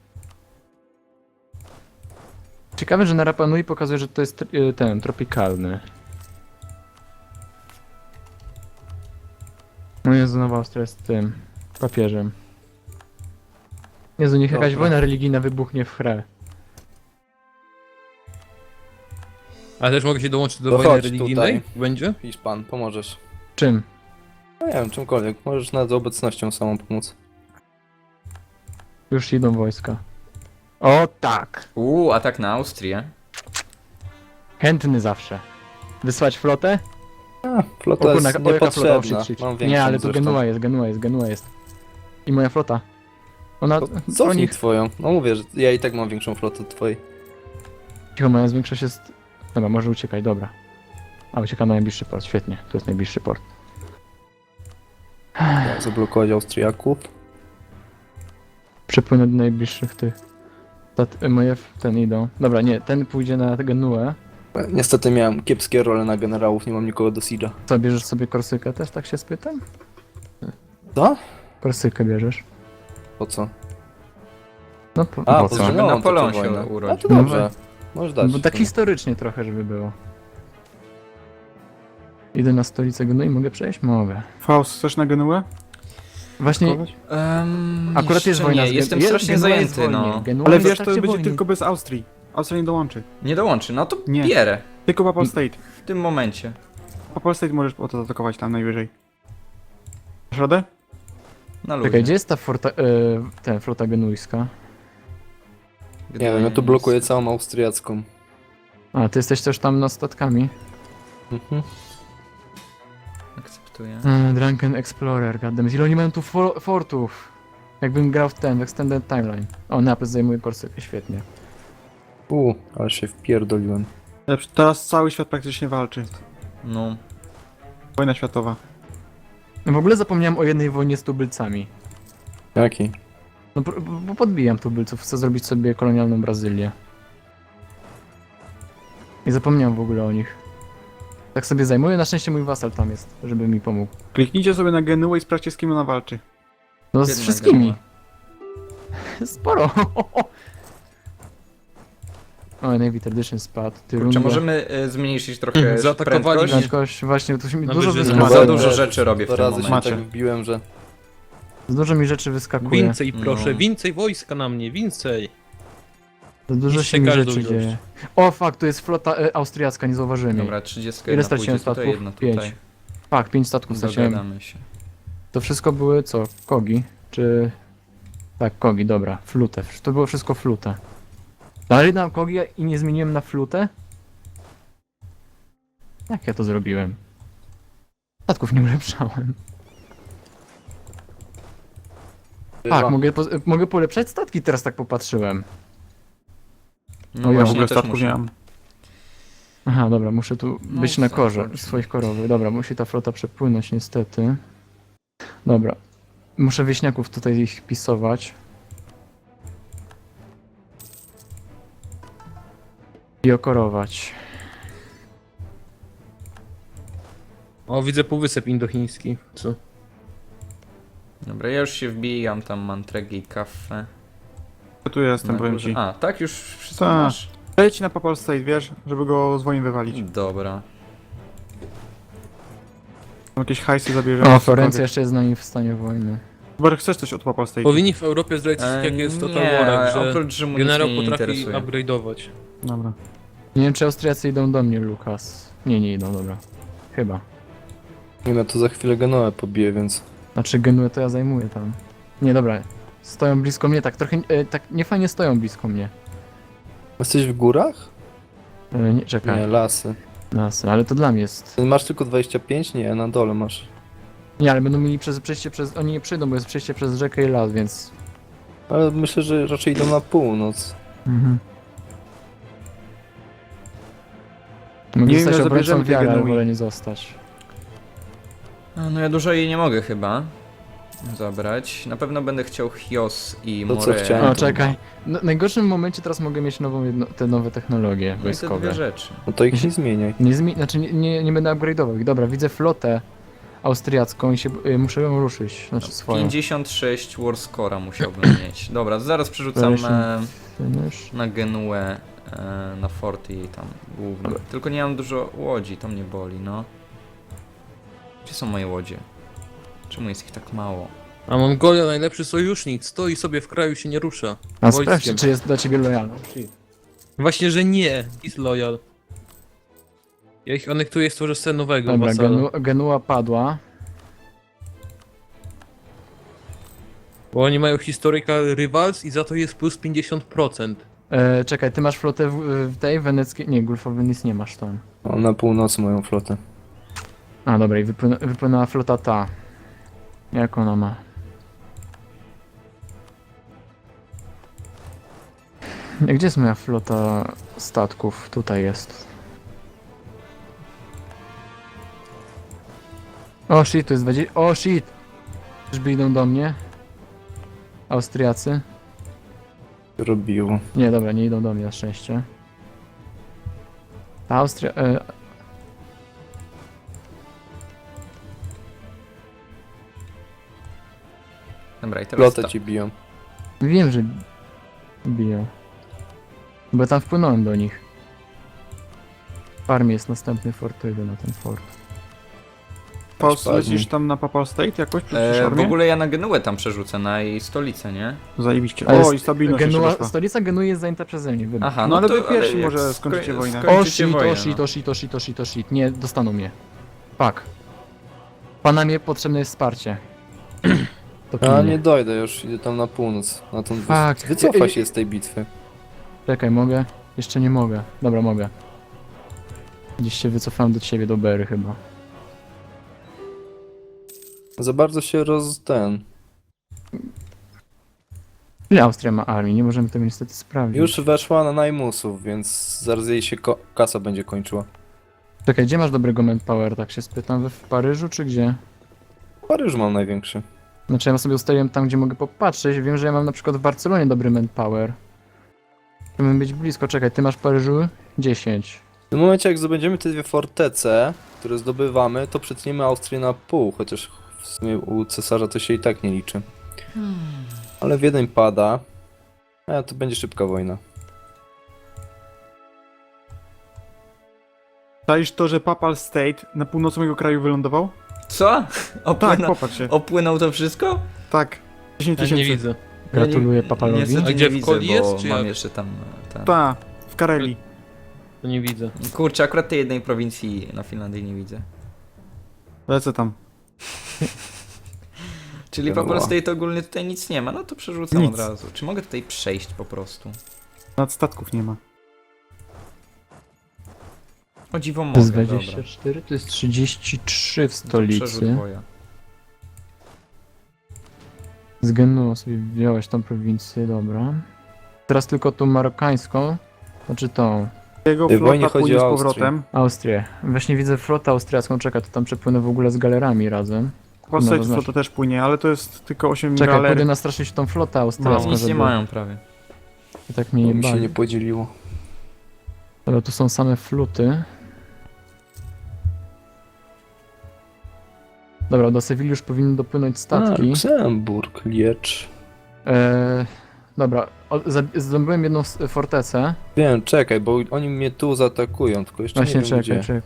[SPEAKER 2] Ciekawe, że na Rapa Nui pokazuje, że to jest y, ten, tropikalny. No Jezu, Nowa Austria jest tym, papieżem. Jezu, niech jakaś
[SPEAKER 3] Dobra.
[SPEAKER 2] wojna religijna wybuchnie w chrę.
[SPEAKER 4] Ale też mogę się dołączyć do
[SPEAKER 3] To
[SPEAKER 4] wojny
[SPEAKER 3] chodź
[SPEAKER 4] religijnej?
[SPEAKER 3] tutaj.
[SPEAKER 4] Będzie?
[SPEAKER 3] Hiszpan, pomożesz.
[SPEAKER 2] Czym?
[SPEAKER 3] No nie wiem, czymkolwiek. Możesz nawet obecnością samą pomóc.
[SPEAKER 2] Już idą wojska. O tak!
[SPEAKER 1] Uuu, atak na Austrię.
[SPEAKER 2] Chętny zawsze. Wysłać flotę?
[SPEAKER 3] A, flota
[SPEAKER 2] O kurna,
[SPEAKER 3] jest
[SPEAKER 2] o, jaka flota? O,
[SPEAKER 3] niepotrzebna.
[SPEAKER 2] shit, shit.
[SPEAKER 3] Mam większą
[SPEAKER 2] Nie, ale tu
[SPEAKER 3] zresztą.
[SPEAKER 2] Genua jest, Genua jest, Genua jest. I moja flota. Ona...
[SPEAKER 3] To Cofnij
[SPEAKER 2] oni...
[SPEAKER 3] twoją. No mówię, że ja i tak mam większą flotę od twojej.
[SPEAKER 2] Cicho, moja większość jest... Dobra, może uciekać, dobra. A, ucieka na najbliższy port, świetnie. To jest najbliższy port.
[SPEAKER 3] Ja zablokować Austriaków.
[SPEAKER 2] Przepłynę do najbliższych tych. Ta, moje w ten idą. Dobra, nie, ten pójdzie na Genuę.
[SPEAKER 3] Niestety miałem kiepskie role na generałów, nie mam nikogo do Siege'a.
[SPEAKER 2] Co, bierzesz sobie Korsykę też, tak się spytam?
[SPEAKER 3] Co?
[SPEAKER 2] Korsykę bierzesz.
[SPEAKER 3] Po co?
[SPEAKER 2] No po,
[SPEAKER 3] A,
[SPEAKER 2] po
[SPEAKER 3] po
[SPEAKER 2] co?
[SPEAKER 1] żeby
[SPEAKER 3] Żydową
[SPEAKER 1] Napoleon
[SPEAKER 3] toczą
[SPEAKER 1] się
[SPEAKER 3] wojnę.
[SPEAKER 1] urodził.
[SPEAKER 3] A to dobrze. Możesz dać.
[SPEAKER 2] Bo tak historycznie trochę, żeby było. Idę na stolicę Genui, mogę przejść? Mogę.
[SPEAKER 5] Faust, chcesz na Genuę?
[SPEAKER 2] Właśnie,
[SPEAKER 5] Kogoś?
[SPEAKER 1] Um,
[SPEAKER 2] akurat jest wojna
[SPEAKER 1] nie,
[SPEAKER 2] z Gen-
[SPEAKER 1] jestem
[SPEAKER 2] jest-
[SPEAKER 1] strasznie
[SPEAKER 2] Genua jest
[SPEAKER 1] zajęty,
[SPEAKER 2] w wojnie.
[SPEAKER 1] no.
[SPEAKER 2] Genua
[SPEAKER 5] Ale
[SPEAKER 2] jest w
[SPEAKER 5] wiesz, to
[SPEAKER 2] trakcie
[SPEAKER 5] będzie
[SPEAKER 2] wojny.
[SPEAKER 5] tylko bez Austrii. Austria nie dołączy.
[SPEAKER 1] Nie dołączy, no to
[SPEAKER 5] Nie.
[SPEAKER 1] bierę.
[SPEAKER 5] Tylko Papal State.
[SPEAKER 1] W tym momencie.
[SPEAKER 5] Papal State możesz o to atakować tam najwyżej. Masz radę?
[SPEAKER 1] Na luzie.
[SPEAKER 2] Czekaj, gdzie jest ta forta, e, ten, flota genujska?
[SPEAKER 3] Nie wiem, ja tu blokuję całą austriacką.
[SPEAKER 2] A, ty jesteś też tam nad statkami?
[SPEAKER 3] Mhm.
[SPEAKER 1] Akceptuję.
[SPEAKER 2] Mm, Drunken Explorer, goddammit. Ile oni mają tu fo fortów? Jakbym grał w ten, w Extended Timeline. O, Naples zajmuje Korsykę, świetnie.
[SPEAKER 3] U, ale się wpierdoliłem.
[SPEAKER 5] Ale teraz cały świat praktycznie walczy.
[SPEAKER 1] No.
[SPEAKER 5] Wojna światowa.
[SPEAKER 2] No w ogóle zapomniałem o jednej wojnie z tubylcami.
[SPEAKER 3] Jaki?
[SPEAKER 2] No bo, bo podbijam tubylców, chcę zrobić sobie kolonialną Brazylię. I zapomniałem w ogóle o nich. Tak sobie zajmuję, na szczęście mój wasal tam jest, żeby mi pomógł.
[SPEAKER 5] Kliknijcie sobie na Genuę i sprawdźcie, z kim ona walczy.
[SPEAKER 2] No z
[SPEAKER 1] Jedna
[SPEAKER 2] wszystkimi. Sporo. O, Navy Tradition spadł. Ty
[SPEAKER 1] Kurczę,
[SPEAKER 2] rundę.
[SPEAKER 1] możemy y, zmniejszyć trochę
[SPEAKER 4] Zaatakowali
[SPEAKER 1] prędkość?
[SPEAKER 4] mnie.
[SPEAKER 2] Prędkość, właśnie, to się mi
[SPEAKER 4] Na
[SPEAKER 2] dużo
[SPEAKER 4] wyżyny.
[SPEAKER 2] wyskakuje.
[SPEAKER 1] Za
[SPEAKER 3] Dobra,
[SPEAKER 1] dużo
[SPEAKER 3] też
[SPEAKER 1] rzeczy robię w
[SPEAKER 3] dwa
[SPEAKER 1] tym
[SPEAKER 3] razy się
[SPEAKER 1] momencie.
[SPEAKER 3] tak wbiłem, że...
[SPEAKER 2] Za dużo mi rzeczy wyskakuje.
[SPEAKER 4] Więcej proszę,
[SPEAKER 1] No.
[SPEAKER 4] więcej wojska na mnie, więcej.
[SPEAKER 2] Za dużo
[SPEAKER 4] Niszczę
[SPEAKER 2] się mi
[SPEAKER 4] każdą
[SPEAKER 2] rzeczy
[SPEAKER 4] ilość.
[SPEAKER 2] dzieje. O, fuck, to jest flota e, austriacka, nie zauważyłem jej.
[SPEAKER 1] Dobra, trzydzieści
[SPEAKER 2] Ile
[SPEAKER 1] jedna
[SPEAKER 2] straciłem
[SPEAKER 1] pójdzie tutaj,
[SPEAKER 2] statków?
[SPEAKER 1] jedna
[SPEAKER 2] Pięć.
[SPEAKER 1] tutaj.
[SPEAKER 2] Fuck, pięć statków straciłem.
[SPEAKER 1] Dogadamy się.
[SPEAKER 2] To wszystko były co? Kogi? Czy... Tak, kogi, dobra. Flutę. To było wszystko flutę. Dalej dam kogi i nie zmieniłem na flutę? Jak ja to zrobiłem? Statków nie ulepszałem. Tak, mogę, po, mogę polepszać statki, teraz tak popatrzyłem.
[SPEAKER 1] No
[SPEAKER 5] ja w
[SPEAKER 1] właśnie,
[SPEAKER 5] ogóle
[SPEAKER 1] też
[SPEAKER 5] statków
[SPEAKER 1] muszę.
[SPEAKER 5] nie mam.
[SPEAKER 2] Aha, dobra, muszę tu
[SPEAKER 1] No,
[SPEAKER 2] być na
[SPEAKER 1] tak,
[SPEAKER 2] korze
[SPEAKER 1] tak.
[SPEAKER 2] swoich korowych. Dobra, musi ta flota przepłynąć niestety. Dobra. Muszę wieśniaków tutaj ich pisować. I okorować.
[SPEAKER 4] O, widzę półwysep indochiński. Co?
[SPEAKER 1] Dobra, ja już się wbijam, tam mam tregi i kawę.
[SPEAKER 5] Ja tu jestem,
[SPEAKER 1] Na
[SPEAKER 5] powiem
[SPEAKER 1] górze.
[SPEAKER 5] ci.
[SPEAKER 1] A, tak już wszystko
[SPEAKER 5] Tak.
[SPEAKER 1] masz?
[SPEAKER 5] Leć na Papal State, wiesz, żeby go z wojny wywalić.
[SPEAKER 1] Dobra.
[SPEAKER 5] Tam jakieś hajsy zabierzemy.
[SPEAKER 2] O, Florencja jeszcze jest z nami w stanie wojny.
[SPEAKER 5] Chyba, że chcesz coś od Papal State.
[SPEAKER 4] Powinni w Europie zdradzić,
[SPEAKER 1] E,
[SPEAKER 4] jak jest Total
[SPEAKER 1] nie,
[SPEAKER 4] Warek, że
[SPEAKER 1] oprócz Rzymu nic
[SPEAKER 4] generał
[SPEAKER 1] mnie nie
[SPEAKER 4] potrafi
[SPEAKER 1] interesuje.
[SPEAKER 4] upgrade'ować.
[SPEAKER 5] Dobra.
[SPEAKER 2] Nie wiem, czy Austriacy idą do mnie, Lukas. Nie, nie idą, dobra. Chyba.
[SPEAKER 3] Nie no, to za chwilę Genoę pobiję, więc...
[SPEAKER 2] Znaczy Genuę to ja zajmuję tam. Nie, dobra. Stoją blisko mnie, tak trochę, e, tak niefajnie stoją blisko mnie.
[SPEAKER 3] Jesteś w górach?
[SPEAKER 2] E, nie, czekaj.
[SPEAKER 3] Nie, lasy.
[SPEAKER 2] Nas, ale to dla mnie jest.
[SPEAKER 3] Masz tylko dwadzieścia pięć? Nie, na dole masz.
[SPEAKER 2] Nie, ale będą mieli przez przejście przez. Oni nie przyjdą, bo jest przejście przez rzekę i las, więc.
[SPEAKER 3] Ale myślę, że raczej idą na północ.
[SPEAKER 2] Mhm. Mogę
[SPEAKER 5] Nie wiem,
[SPEAKER 2] zostać
[SPEAKER 5] ile
[SPEAKER 2] obrońcą
[SPEAKER 5] zabierzemy tej
[SPEAKER 2] wiary, ale
[SPEAKER 5] Genui.
[SPEAKER 2] wolę nie zostać.
[SPEAKER 1] A, no ja dużo jej nie mogę chyba zabrać. Na pewno będę chciał Chios i
[SPEAKER 3] To co
[SPEAKER 1] More.
[SPEAKER 3] chciałem?
[SPEAKER 2] O, czekaj. No, w najgorszym momencie teraz mogę mieć nową jedno, te nowe technologie
[SPEAKER 1] No i te
[SPEAKER 2] wojskowe.
[SPEAKER 1] dwie rzeczy.
[SPEAKER 3] No to ich nie zmieniaj.
[SPEAKER 2] Nie, zmi- znaczy nie, nie, nie będę upgrade'ował ich. Dobra, widzę flotę austriacką i się, y, muszę ją ruszyć. Znaczy swoją.
[SPEAKER 1] pięćdziesiąt sześć Warscora musiałbym mieć. Dobra, zaraz przerzucam e,
[SPEAKER 2] Finish.
[SPEAKER 1] na Genuę, e, na forty jej tam głównie.
[SPEAKER 2] Dobra.
[SPEAKER 1] Tylko nie mam dużo łodzi, to mnie boli, no. Gdzie są moje łodzie? Czemu jest ich tak mało?
[SPEAKER 4] A Mongolia, najlepszy sojusznik, stoi sobie w kraju, się nie rusza.
[SPEAKER 2] A
[SPEAKER 4] Wojskiem.
[SPEAKER 2] sprawdźcie, czy jest dla ciebie lojalny.
[SPEAKER 4] Właśnie, że nie, is loyal. Ja ich anektuję, stworzę sobie nowego
[SPEAKER 2] Dobra,
[SPEAKER 4] wasala.
[SPEAKER 2] Genu, Genua padła.
[SPEAKER 4] Bo oni mają historical rivals i za to jest plus pięćdziesiąt procent.
[SPEAKER 2] E, czekaj, ty masz flotę w, w tej weneckiej. Nie, Gulfowy nic nie masz tam.
[SPEAKER 3] O, na północy moją flotę.
[SPEAKER 2] A dobra, i wypłynę, wypłynęła flota ta. Jak ona ma? Gdzie jest moja flota statków? Tutaj jest. O shit, to jest dwadzieścia... O shit! Czyżby idą do mnie? Austriacy?
[SPEAKER 3] Robiło.
[SPEAKER 2] Nie, dobra, nie idą do mnie na szczęście. Ta Austria... E,
[SPEAKER 1] Dobra, i teraz
[SPEAKER 3] Flotę
[SPEAKER 1] ta.
[SPEAKER 3] ci biją.
[SPEAKER 2] wiem, że biją. Bo tam wpłynąłem do nich. W armii jest następny fort, to idę na ten fort.
[SPEAKER 5] Paul,
[SPEAKER 3] Spadnie.
[SPEAKER 5] lecisz tam na Papal State jakoś? Przecież
[SPEAKER 1] E, w
[SPEAKER 5] armię?
[SPEAKER 1] ogóle ja na Genuę tam przerzucę, na jej stolicę, nie?
[SPEAKER 5] Zajebiście.
[SPEAKER 2] Ale
[SPEAKER 5] O,
[SPEAKER 2] jest
[SPEAKER 5] i stabilność jeszcze
[SPEAKER 2] Genua,
[SPEAKER 5] doszła.
[SPEAKER 2] stolica Genui jest zajęta przeze mnie, wybacz.
[SPEAKER 1] Aha,
[SPEAKER 5] No ale
[SPEAKER 1] to,
[SPEAKER 5] wy pierwsi
[SPEAKER 1] jak
[SPEAKER 5] może
[SPEAKER 1] sko-
[SPEAKER 5] skończycie wojnę.
[SPEAKER 2] O
[SPEAKER 1] skończycie
[SPEAKER 2] shit,
[SPEAKER 1] wojnę,
[SPEAKER 2] o shit,
[SPEAKER 1] no.
[SPEAKER 2] o shit, o shit, o shit, o shit, nie, dostaną mnie. Fuck. Panamie potrzebne jest wsparcie. To
[SPEAKER 3] A
[SPEAKER 2] pilnie.
[SPEAKER 3] nie dojdę już, idę tam na północ. Na tą...
[SPEAKER 2] Fuck.
[SPEAKER 3] Wycofa się z tej bitwy.
[SPEAKER 2] Czekaj, mogę? Jeszcze nie mogę. Dobra, mogę. Gdzieś się wycofałem do ciebie, do Bery chyba.
[SPEAKER 3] Za bardzo się roz... ten...
[SPEAKER 2] Ile Austria ma armii? Nie możemy tego niestety sprawdzić.
[SPEAKER 3] Już weszła na najmusów, więc zaraz jej się ko- kasa będzie kończyła.
[SPEAKER 2] Czekaj, gdzie masz dobrego manpower, tak się spytam? We w Paryżu czy gdzie?
[SPEAKER 3] Paryż mam największy.
[SPEAKER 2] Znaczy ja sobie ustaliłem tam, gdzie mogę popatrzeć. Wiem, że ja mam na przykład w Barcelonie dobry manpower. Chcemy być blisko. Czekaj, ty masz w Paryżu dziesięć.
[SPEAKER 3] W tym momencie, jak zdobędziemy te dwie fortece, które zdobywamy, to przetniemy Austrię na pół, chociaż w sumie u cesarza to się i tak nie liczy. Ale Wiedeń pada. A to będzie szybka wojna.
[SPEAKER 5] Czaisz to, że Papal State na północy mojego kraju wylądował?
[SPEAKER 1] Co?
[SPEAKER 5] Tak,
[SPEAKER 1] Opłynął,
[SPEAKER 5] popatrz się.
[SPEAKER 1] opłynął to wszystko?
[SPEAKER 5] Tak. dziesięć
[SPEAKER 4] Ja nie
[SPEAKER 5] tysięcy.
[SPEAKER 4] widzę.
[SPEAKER 2] Gratuluję
[SPEAKER 1] Ja nie-
[SPEAKER 2] Papalowi.
[SPEAKER 1] Niestety
[SPEAKER 4] A
[SPEAKER 1] nie
[SPEAKER 4] gdzie, w
[SPEAKER 1] widzę,
[SPEAKER 4] Koli
[SPEAKER 1] bo
[SPEAKER 4] jest, czy
[SPEAKER 1] mam
[SPEAKER 4] jak?
[SPEAKER 1] jeszcze tam... e, Ten.
[SPEAKER 5] Ta, w Karelii.
[SPEAKER 4] To nie widzę.
[SPEAKER 1] Kurczę, akurat tej jednej prowincji na Finlandii nie widzę.
[SPEAKER 5] Lecę tam.
[SPEAKER 1] Czyli
[SPEAKER 3] Dobra.
[SPEAKER 1] Papal State ogólnie tutaj nic nie ma, no to przerzucam
[SPEAKER 5] Nic.
[SPEAKER 1] od razu. Czy mogę tutaj przejść po prostu?
[SPEAKER 5] Nad statków nie ma.
[SPEAKER 2] To
[SPEAKER 1] O dziwo
[SPEAKER 2] jest
[SPEAKER 1] mogę, dobra.
[SPEAKER 2] dwadzieścia cztery, to jest trzydzieści trzy w
[SPEAKER 1] To
[SPEAKER 2] stolicy.
[SPEAKER 1] przerzut woja.
[SPEAKER 2] Z Genuą sobie wziąłeś tą prowincję, dobra. Teraz tylko tą marokańską, znaczy tą
[SPEAKER 5] Jego
[SPEAKER 3] W tej wojnie
[SPEAKER 5] flota
[SPEAKER 3] chodzi
[SPEAKER 5] płynie z
[SPEAKER 3] o Austrię.
[SPEAKER 5] powrotem.
[SPEAKER 2] Austrię. Właśnie widzę flotę austriacką, czekaj, to tam przepłynę w ogóle z galerami razem.
[SPEAKER 5] Papal
[SPEAKER 2] No,
[SPEAKER 5] State
[SPEAKER 2] to znaczy-
[SPEAKER 5] flota też płynie, ale to jest tylko osiem
[SPEAKER 2] Czekaj,
[SPEAKER 5] galer.
[SPEAKER 2] pójdę nastraszyć tą flotę
[SPEAKER 1] No,
[SPEAKER 2] austriacką,
[SPEAKER 1] nic
[SPEAKER 2] żeby
[SPEAKER 1] nie mają prawie.
[SPEAKER 2] tak mnie
[SPEAKER 3] To
[SPEAKER 2] nie
[SPEAKER 3] mi się
[SPEAKER 2] bali.
[SPEAKER 3] nie podzieliło.
[SPEAKER 2] Ale tu są same fluty. Dobra, do Sewilli już powinny dopłynąć
[SPEAKER 3] A,
[SPEAKER 2] statki.
[SPEAKER 3] Luksemburg, Liecz.
[SPEAKER 2] Eee, dobra, o, za- zdobyłem jedną s- fortecę.
[SPEAKER 3] Wiem, czekaj, bo oni mnie tu zaatakują, tylko jeszcze
[SPEAKER 2] Właśnie
[SPEAKER 3] nie wiem
[SPEAKER 2] czekaj,
[SPEAKER 3] gdzie.
[SPEAKER 2] czekaj.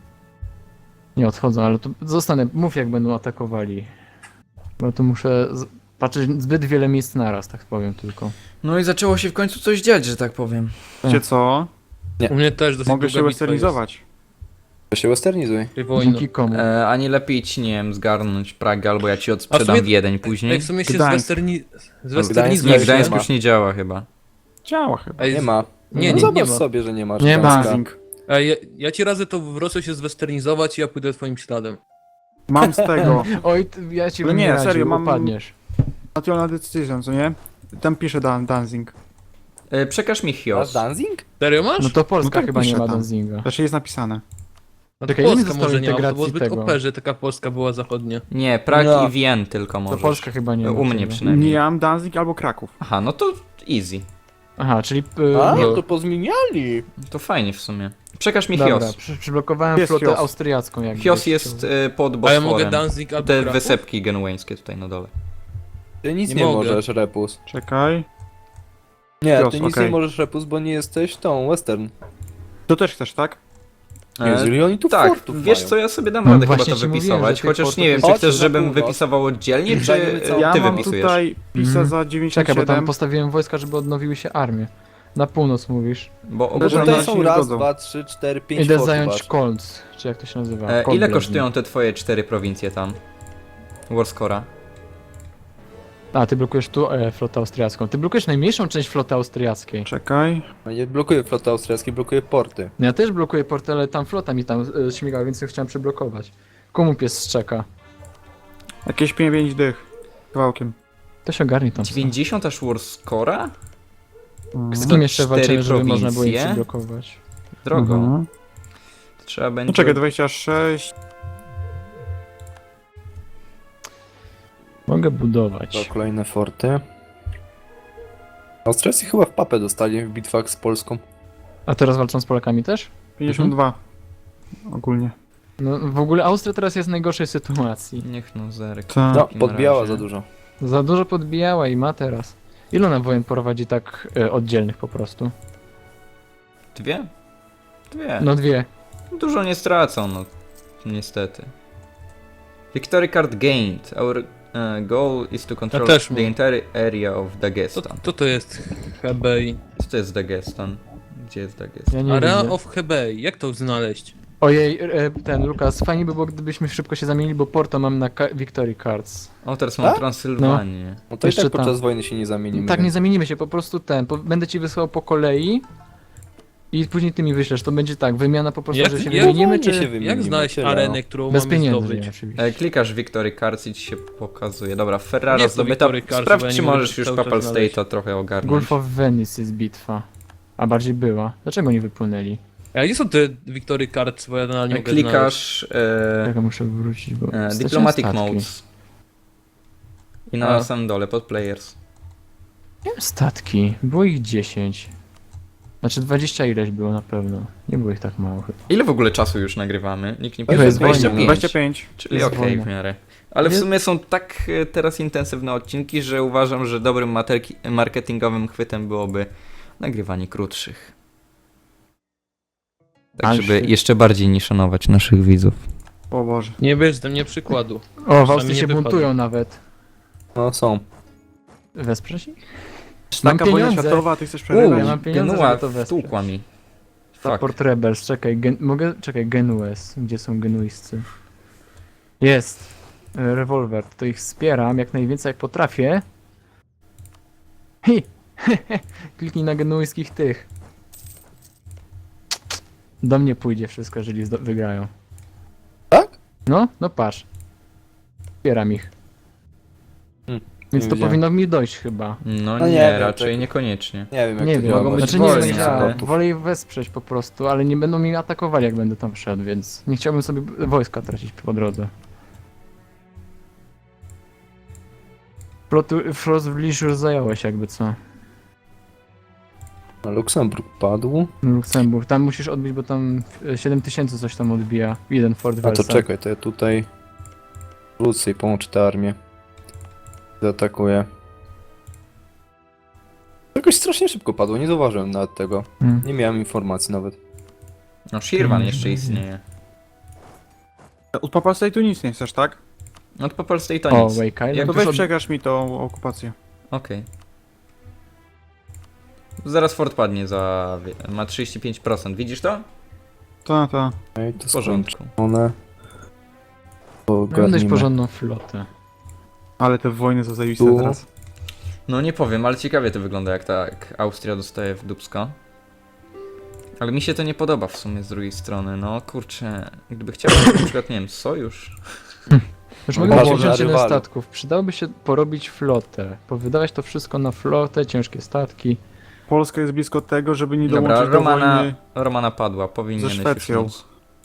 [SPEAKER 2] Nie odchodzą, ale to zostanę. Mów jak będą atakowali. Bo tu muszę z- patrzeć zbyt wiele miejsc naraz, tak powiem tylko.
[SPEAKER 1] No i zaczęło się w końcu coś dziać, że tak powiem.
[SPEAKER 5] Wiecie co?
[SPEAKER 4] U mnie też dosyć
[SPEAKER 5] Mogę
[SPEAKER 4] długa
[SPEAKER 5] się
[SPEAKER 4] bitwa
[SPEAKER 5] westernizować.
[SPEAKER 3] To się westernizuj.
[SPEAKER 4] jest. Wojna.
[SPEAKER 2] Dzięki komu?
[SPEAKER 1] E, a nie lepiej ci, nie wiem, zgarnąć Pragę, albo ja ci odsprzedam
[SPEAKER 4] sumie-
[SPEAKER 1] Wiedeń
[SPEAKER 4] Ej,
[SPEAKER 1] później.
[SPEAKER 4] w sumie się
[SPEAKER 5] Gdańsk.
[SPEAKER 4] zwesterni...
[SPEAKER 3] Gdańsk
[SPEAKER 4] zwesternizuje.
[SPEAKER 1] Nie,
[SPEAKER 3] też
[SPEAKER 1] Gdańsk
[SPEAKER 3] nie ma.
[SPEAKER 1] już nie działa chyba.
[SPEAKER 5] Działa chyba.
[SPEAKER 4] Ej,
[SPEAKER 3] Nie ma.
[SPEAKER 4] Nie,
[SPEAKER 3] no
[SPEAKER 4] nie,
[SPEAKER 3] zobacz
[SPEAKER 4] nie ma.
[SPEAKER 3] sobie, że nie masz
[SPEAKER 2] Nie ma.
[SPEAKER 3] Gdańska.
[SPEAKER 5] Danzing.
[SPEAKER 4] Ej, ja, ja ci radzę to wrosło się zwesternizować i ja pójdę twoim śladem.
[SPEAKER 5] Mam z tego.
[SPEAKER 2] Oj, ty, ja ci
[SPEAKER 5] No
[SPEAKER 2] bym
[SPEAKER 5] nie,
[SPEAKER 2] nie radził,
[SPEAKER 5] serio, mam-
[SPEAKER 2] upadniesz.
[SPEAKER 5] National Decision, co nie? Tam pisze Dan Danzing.
[SPEAKER 1] E, przekaż mi
[SPEAKER 3] Masz
[SPEAKER 1] Chios.
[SPEAKER 3] Danzing?
[SPEAKER 4] Serio masz?
[SPEAKER 2] No to Polska
[SPEAKER 5] tak
[SPEAKER 2] chyba nie
[SPEAKER 5] pisze
[SPEAKER 2] ma
[SPEAKER 5] tam.
[SPEAKER 2] Danzinga.
[SPEAKER 5] Znaczy jest napisane.
[SPEAKER 4] No to
[SPEAKER 2] Czekaj, ile mi
[SPEAKER 4] Polska
[SPEAKER 2] zostało
[SPEAKER 4] może nie ma, bo to było
[SPEAKER 2] integracji
[SPEAKER 4] zbyt
[SPEAKER 2] tego?
[SPEAKER 4] O P, że taka Polska była zachodnia.
[SPEAKER 1] Nie, Prag
[SPEAKER 3] No.
[SPEAKER 1] i Wien tylko
[SPEAKER 2] To
[SPEAKER 1] możesz.
[SPEAKER 2] Polska chyba nie ma.
[SPEAKER 1] U mnie
[SPEAKER 2] tego.
[SPEAKER 1] przynajmniej.
[SPEAKER 5] Nie mam Danzig albo Kraków.
[SPEAKER 1] Aha, no to easy.
[SPEAKER 2] Aha, czyli... y,
[SPEAKER 3] A,
[SPEAKER 2] no,
[SPEAKER 3] to pozmieniali.
[SPEAKER 1] To fajnie w sumie. Przekaż mi
[SPEAKER 2] dobra,
[SPEAKER 1] Chios.
[SPEAKER 2] przy, przyblokowałem
[SPEAKER 5] Jest
[SPEAKER 2] flotę
[SPEAKER 5] Chios.
[SPEAKER 2] austriacką jakby.
[SPEAKER 1] Chios jest e, pod
[SPEAKER 4] A ja
[SPEAKER 1] Bosforem.
[SPEAKER 4] mogę Danzig albo
[SPEAKER 1] Te
[SPEAKER 4] Kraków?
[SPEAKER 1] wysepki genueńskie tutaj na dole.
[SPEAKER 3] Ty nic
[SPEAKER 4] Nie
[SPEAKER 3] nie,
[SPEAKER 4] mogę.
[SPEAKER 3] możesz, Repus.
[SPEAKER 5] Czekaj.
[SPEAKER 3] Nie,
[SPEAKER 5] Chios,
[SPEAKER 3] ty nic
[SPEAKER 5] okej.
[SPEAKER 3] nie możesz, Repus, bo nie jesteś tą, Western.
[SPEAKER 5] To też chcesz, tak?
[SPEAKER 1] E,
[SPEAKER 3] Jeżeli oni tu
[SPEAKER 1] tak,
[SPEAKER 3] fortów
[SPEAKER 1] wiesz
[SPEAKER 3] mają.
[SPEAKER 1] co, ja sobie dam
[SPEAKER 2] No
[SPEAKER 1] radę chyba
[SPEAKER 2] właśnie
[SPEAKER 1] to
[SPEAKER 2] ci mówiłem,
[SPEAKER 1] wypisować,
[SPEAKER 2] że tych
[SPEAKER 1] chociaż
[SPEAKER 2] portów
[SPEAKER 1] nie wiem,
[SPEAKER 2] jest-
[SPEAKER 1] czy
[SPEAKER 3] Chodź,
[SPEAKER 1] chcesz,
[SPEAKER 3] za
[SPEAKER 1] żebym
[SPEAKER 3] pół
[SPEAKER 1] wypisywał oddzielnie, czy
[SPEAKER 3] Zajmiemy
[SPEAKER 1] e,
[SPEAKER 3] całą-
[SPEAKER 5] Ja
[SPEAKER 1] ty
[SPEAKER 5] mam
[SPEAKER 1] wypisujesz?
[SPEAKER 5] tutaj pisa
[SPEAKER 2] Mhm.
[SPEAKER 5] za dziewięćdziesiąt
[SPEAKER 2] Czekaj, bo tam
[SPEAKER 5] siedem.
[SPEAKER 2] postawiłem wojska, żeby odnowiły się armie. Na północ mówisz.
[SPEAKER 1] Bo
[SPEAKER 3] No
[SPEAKER 5] Dobrze,
[SPEAKER 1] ogólnie...
[SPEAKER 3] tutaj
[SPEAKER 5] się
[SPEAKER 3] są
[SPEAKER 5] nie
[SPEAKER 3] raz,
[SPEAKER 5] zgodzą.
[SPEAKER 3] dwa, trzy, cztery, pięć
[SPEAKER 2] Idę
[SPEAKER 3] fortów
[SPEAKER 2] zająć
[SPEAKER 3] aż.
[SPEAKER 2] Kolc, czy jak to się nazywa?
[SPEAKER 1] E,
[SPEAKER 2] Kolbledny.
[SPEAKER 1] ile kosztują te twoje cztery prowincje tam? Warscora?
[SPEAKER 2] A, ty blokujesz tu e, flotę austriacką. Ty blokujesz najmniejszą część floty austriackiej.
[SPEAKER 5] Czekaj.
[SPEAKER 3] No nie blokuje floty austriackiej, blokuje porty.
[SPEAKER 2] Ja też blokuję porty, ale tam flota mi tam e, śmiga, więc ją chciałem przyblokować. Komu pies szczeka?
[SPEAKER 5] Jakieś pięć pięć dych. Kawałkiem.
[SPEAKER 2] To się ogarni tam.
[SPEAKER 1] dziewięćdziesiąt aż Warscora?
[SPEAKER 5] Mhm.
[SPEAKER 2] Z kim jeszcze
[SPEAKER 1] cztery
[SPEAKER 2] walczymy, żeby można było je
[SPEAKER 1] prowincje?
[SPEAKER 2] przyblokować?
[SPEAKER 1] Drogo.
[SPEAKER 5] Mhm.
[SPEAKER 1] To trzeba będzie...
[SPEAKER 5] No czekaj, dwadzieścia sześć.
[SPEAKER 2] Mogę
[SPEAKER 3] To
[SPEAKER 2] budować.
[SPEAKER 3] kolejne forty. Austriacy chyba w papę dostali w bitwach z Polską.
[SPEAKER 2] A teraz walczą z Polakami też?
[SPEAKER 5] pięćdziesiąt dwa. Ogólnie.
[SPEAKER 2] No w ogóle Austria teraz jest w najgorszej sytuacji.
[SPEAKER 1] Niech no zerk.
[SPEAKER 5] Tak.
[SPEAKER 3] No,
[SPEAKER 1] takim
[SPEAKER 3] podbijała
[SPEAKER 1] razie.
[SPEAKER 3] za dużo.
[SPEAKER 2] Za dużo podbijała i ma teraz. Ile ona wojen prowadzi tak e, oddzielnych po prostu?
[SPEAKER 1] Dwie? Dwie.
[SPEAKER 2] No dwie.
[SPEAKER 1] Dużo nie stracą, no. Niestety. Victory card gained. Our uh, goal is to control
[SPEAKER 4] też
[SPEAKER 1] the
[SPEAKER 4] mam.
[SPEAKER 1] entire area of
[SPEAKER 4] Co,
[SPEAKER 1] Dagestan.
[SPEAKER 4] co to jest Hebei?
[SPEAKER 1] Co to jest Dagestan? Gdzie jest Dagestan?
[SPEAKER 2] Ja nie
[SPEAKER 4] Area
[SPEAKER 2] widzę.
[SPEAKER 4] of Hebei, jak to znaleźć?
[SPEAKER 2] Ojej, e, ten Lukas, fajnie by było gdybyśmy szybko się zamienili, bo Porto mam na ka- Victory Cards.
[SPEAKER 1] O, teraz mam
[SPEAKER 3] Tak?
[SPEAKER 1] Transylwanię.
[SPEAKER 3] No to
[SPEAKER 2] Jeszcze
[SPEAKER 3] i tak podczas
[SPEAKER 2] tam.
[SPEAKER 3] wojny się nie zamienimy.
[SPEAKER 2] Tak, nie
[SPEAKER 3] więc-
[SPEAKER 2] zamienimy się, po prostu ten. Po, będę ci wysłał po kolei i później ty mi wyślesz. To będzie tak, wymiana po prostu,
[SPEAKER 4] Jak-
[SPEAKER 2] że się
[SPEAKER 4] jak
[SPEAKER 2] wymienimy,
[SPEAKER 3] wolniej
[SPEAKER 2] czy
[SPEAKER 3] się wymienimy,
[SPEAKER 4] Jak znaleźć
[SPEAKER 3] tyle,
[SPEAKER 4] arenę,
[SPEAKER 3] no.
[SPEAKER 4] którą
[SPEAKER 2] bez
[SPEAKER 4] mamy
[SPEAKER 2] pieniędzy,
[SPEAKER 4] zdobyć?
[SPEAKER 2] nie, oczywiście.
[SPEAKER 1] E, klikasz Victory cards i ci się pokazuje. Dobra,
[SPEAKER 4] Nie
[SPEAKER 1] Ferrara
[SPEAKER 4] jest to
[SPEAKER 1] zdobyta.
[SPEAKER 4] Victory cards, bo
[SPEAKER 1] Sprawdź,
[SPEAKER 4] ja
[SPEAKER 1] czy
[SPEAKER 4] nie mogę
[SPEAKER 1] możesz już
[SPEAKER 4] cały czas
[SPEAKER 1] Papal
[SPEAKER 4] znaleźć.
[SPEAKER 1] State'a trochę ogarnąć.
[SPEAKER 2] Gulf of Venice jest bitwa. A bardziej była. Dlaczego nie wypłynęli?
[SPEAKER 4] A gdzie są te Victory Cards, bo ja nadal nie
[SPEAKER 1] E,
[SPEAKER 4] mogę znaleźć.
[SPEAKER 1] Klikasz e,
[SPEAKER 2] Czekaj, muszę wrócić, bo...
[SPEAKER 1] e,
[SPEAKER 2] straciłem
[SPEAKER 1] Diplomatic
[SPEAKER 2] statki.
[SPEAKER 1] Modes. I na
[SPEAKER 4] A.
[SPEAKER 1] samym dole, pod players.
[SPEAKER 2] Nie wiem, statki. Było ich dziesięć. Znaczy dwadzieścia ileś było na pewno. Nie było ich tak mało chyba.
[SPEAKER 1] Ile w ogóle czasu już nagrywamy? Nikt nie
[SPEAKER 2] To
[SPEAKER 1] pisze.
[SPEAKER 2] jest wojna.
[SPEAKER 1] dwadzieścia pięć.
[SPEAKER 5] dwadzieścia pięć.
[SPEAKER 1] Czyli
[SPEAKER 2] Jest
[SPEAKER 1] okej
[SPEAKER 2] wojna.
[SPEAKER 1] w miarę. Ale w
[SPEAKER 2] Nie-
[SPEAKER 1] sumie są tak e, teraz intensywne odcinki, że uważam, że dobrym materki- marketingowym chwytem byłoby nagrywanie krótszych. Tak,
[SPEAKER 2] Ale
[SPEAKER 1] żeby
[SPEAKER 2] się-
[SPEAKER 1] jeszcze bardziej nie szanować naszych widzów.
[SPEAKER 5] O Boże.
[SPEAKER 4] Nie bierz ze mnie przykładu.
[SPEAKER 2] O, w
[SPEAKER 4] Przynajmniej
[SPEAKER 2] Austrii
[SPEAKER 4] nie
[SPEAKER 2] się
[SPEAKER 4] wypadł.
[SPEAKER 2] buntują nawet.
[SPEAKER 3] No są.
[SPEAKER 2] Wesprzesz ich? Mam
[SPEAKER 5] Taka wojna
[SPEAKER 2] pieniądze.
[SPEAKER 5] światowa, a ty chcesz
[SPEAKER 1] Uuu,
[SPEAKER 5] przerywać?
[SPEAKER 2] ja mam pieniądze,
[SPEAKER 1] Genua
[SPEAKER 2] żeby to wesprzeć.
[SPEAKER 1] wtłukła mi. Fuck.
[SPEAKER 2] Support Rebels, czekaj, gen, mogę, czekaj, Genues, gdzie są genuiscy? Jest, e, rewolwer, to ich wspieram jak najwięcej jak potrafię. Hi, kliknij na genuiskich tych. Do mnie pójdzie wszystko, jeżeli zdo- wygrają.
[SPEAKER 3] Tak?
[SPEAKER 2] No, no patrz. Wspieram ich.
[SPEAKER 3] Hmm,
[SPEAKER 2] Więc
[SPEAKER 3] nie
[SPEAKER 2] to
[SPEAKER 3] wiedziałem.
[SPEAKER 2] powinno mi dojść chyba.
[SPEAKER 1] No,
[SPEAKER 3] No
[SPEAKER 1] nie,
[SPEAKER 3] nie wiem,
[SPEAKER 1] raczej
[SPEAKER 3] tak-
[SPEAKER 1] niekoniecznie.
[SPEAKER 3] Nie wiem jak
[SPEAKER 2] Nie
[SPEAKER 3] to
[SPEAKER 2] wiem,
[SPEAKER 3] działa.
[SPEAKER 1] mogą być
[SPEAKER 2] znaczy nie
[SPEAKER 1] wolni,
[SPEAKER 2] wiem, działa.
[SPEAKER 1] ale-
[SPEAKER 2] Wolę ich wesprzeć po prostu, ale nie będą mi atakowali jak będę tam wszedł, więc nie chciałbym sobie wojska tracić po drodze. Flotu- Frostbliss już zająłeś jakby co.
[SPEAKER 3] A Luksemburg padł.
[SPEAKER 2] Luksemburg, tam musisz odbić, bo tam e, siedem tysięcy coś tam odbija. Jeden Fort
[SPEAKER 3] A to
[SPEAKER 2] Versailles.
[SPEAKER 3] czekaj, to ja tutaj wrócę i połączę tę armię. Zaatakuję. Jakoś strasznie szybko padło, nie zauważyłem nawet tego.
[SPEAKER 2] Hmm.
[SPEAKER 3] Nie miałem informacji nawet.
[SPEAKER 1] No, Shirvan jeszcze istnieje.
[SPEAKER 5] Od Papal State'u nic nie chcesz, tak?
[SPEAKER 1] No to Papal State to
[SPEAKER 2] O,
[SPEAKER 1] nic.
[SPEAKER 2] Wake Island.
[SPEAKER 1] Jak
[SPEAKER 5] To
[SPEAKER 1] już
[SPEAKER 5] weź
[SPEAKER 1] od...
[SPEAKER 5] przegrasz mi tą okupację.
[SPEAKER 1] Okej. Zaraz Fort padnie za... wie- ma trzydzieści pięć procent. Widzisz to?
[SPEAKER 5] To, to.
[SPEAKER 3] Ej, to
[SPEAKER 1] W porządku.
[SPEAKER 3] one.
[SPEAKER 2] Mam dość
[SPEAKER 3] Ogarnijmy.
[SPEAKER 2] porządną flotę.
[SPEAKER 5] Ale te wojny są zajebiste
[SPEAKER 3] Tu.
[SPEAKER 5] teraz.
[SPEAKER 1] No nie powiem, ale ciekawie to wygląda, jak tak Austria dostaje w dupsko. Ale mi się to nie podoba w sumie z drugiej strony, no kurczę, gdyby chciał na przykład, nie wiem, sojusz.
[SPEAKER 2] Już
[SPEAKER 3] No
[SPEAKER 2] mogę
[SPEAKER 3] Boże,
[SPEAKER 2] wziąć jeden
[SPEAKER 3] rywale.
[SPEAKER 2] statków. Przydałoby się porobić flotę. Powydawać to wszystko na flotę, ciężkie statki.
[SPEAKER 5] Polska jest blisko tego, żeby nie
[SPEAKER 1] Dobra,
[SPEAKER 5] dołączyć do
[SPEAKER 1] Romana,
[SPEAKER 5] wojny.
[SPEAKER 1] Romana padła, powinieneś już
[SPEAKER 5] Szwecją.
[SPEAKER 1] móc.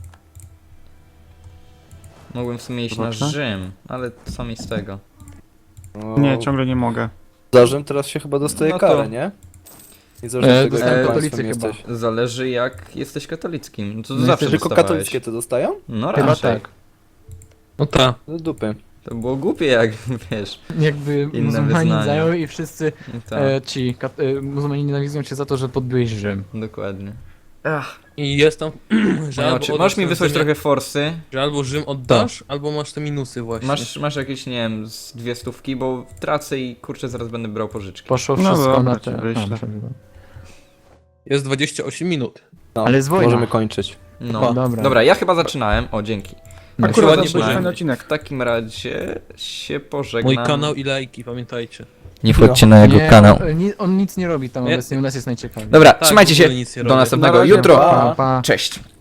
[SPEAKER 1] Mogłem w sumie iść na
[SPEAKER 5] Zobaczmy.
[SPEAKER 1] Rzym, ale co mi z tego?
[SPEAKER 3] O,
[SPEAKER 5] Nie, ciągle nie mogę.
[SPEAKER 3] Za Rzym teraz się chyba dostaje
[SPEAKER 1] No to-
[SPEAKER 3] karę, nie? Niezależnie
[SPEAKER 2] E,
[SPEAKER 3] od tego,
[SPEAKER 2] dostają
[SPEAKER 3] jakim
[SPEAKER 2] katolicy
[SPEAKER 3] państwem
[SPEAKER 2] chyba.
[SPEAKER 3] jesteś.
[SPEAKER 1] Zależy jak jesteś katolickim, no to
[SPEAKER 2] No
[SPEAKER 1] zawsze
[SPEAKER 2] jesteś-
[SPEAKER 3] Tylko
[SPEAKER 1] dostawałeś.
[SPEAKER 3] katolickie to dostają?
[SPEAKER 1] No
[SPEAKER 2] Chyba
[SPEAKER 1] raczej.
[SPEAKER 2] tak.
[SPEAKER 4] No ta.
[SPEAKER 3] Do dupy.
[SPEAKER 1] To było głupie jak, wiesz,
[SPEAKER 2] Jakby
[SPEAKER 1] Inne
[SPEAKER 2] muzułmani
[SPEAKER 1] wyznania.
[SPEAKER 2] zajął i wszyscy
[SPEAKER 1] tak,
[SPEAKER 2] e, ci kat- e, muzułmani nienawidzą cię za to, że podbyłeś Rzym.
[SPEAKER 1] dokładnie.
[SPEAKER 4] I jest tam, że
[SPEAKER 1] No,
[SPEAKER 4] albo
[SPEAKER 1] czy
[SPEAKER 4] oddasz
[SPEAKER 1] możesz mi
[SPEAKER 4] ten
[SPEAKER 1] wysłać
[SPEAKER 4] Rzymie-
[SPEAKER 1] trochę forsy?
[SPEAKER 4] Że albo Rzym oddasz, albo masz te minusy właśnie.
[SPEAKER 1] Masz, masz jakieś, nie wiem, z dwie stówki, bo tracę i kurczę zaraz będę brał pożyczki.
[SPEAKER 2] Poszło
[SPEAKER 5] No
[SPEAKER 2] wszystko
[SPEAKER 5] dobra,
[SPEAKER 2] na
[SPEAKER 5] ci
[SPEAKER 2] te...
[SPEAKER 5] wyślę.
[SPEAKER 2] A, przepraszam.
[SPEAKER 4] Jest dwadzieścia osiem minut.
[SPEAKER 3] No,
[SPEAKER 2] Ale jest wojna.
[SPEAKER 3] możemy kończyć.
[SPEAKER 1] No,
[SPEAKER 2] Dobra.
[SPEAKER 1] dobra, ja chyba zaczynałem, o dzięki.
[SPEAKER 2] No,
[SPEAKER 5] Akurat
[SPEAKER 4] ładnie
[SPEAKER 5] zaczynamy
[SPEAKER 1] zaczynałem.
[SPEAKER 5] ten odcinek.
[SPEAKER 1] W takim razie się pożegnam.
[SPEAKER 4] Mój kanał i lajki, pamiętajcie.
[SPEAKER 1] Nie
[SPEAKER 3] wchodźcie
[SPEAKER 1] na
[SPEAKER 2] nie, On, ni- on nic nie robi tam
[SPEAKER 4] Nie.
[SPEAKER 2] obecnie, u nas jest najciekawiej.
[SPEAKER 1] Dobra,
[SPEAKER 4] Tak,
[SPEAKER 1] trzymajcie
[SPEAKER 4] w ogóle
[SPEAKER 1] się,
[SPEAKER 4] nic nie
[SPEAKER 1] do
[SPEAKER 4] robię.
[SPEAKER 1] następnego
[SPEAKER 3] Na razie,
[SPEAKER 1] jutro.
[SPEAKER 3] pa.
[SPEAKER 2] Pa, pa.
[SPEAKER 1] Cześć.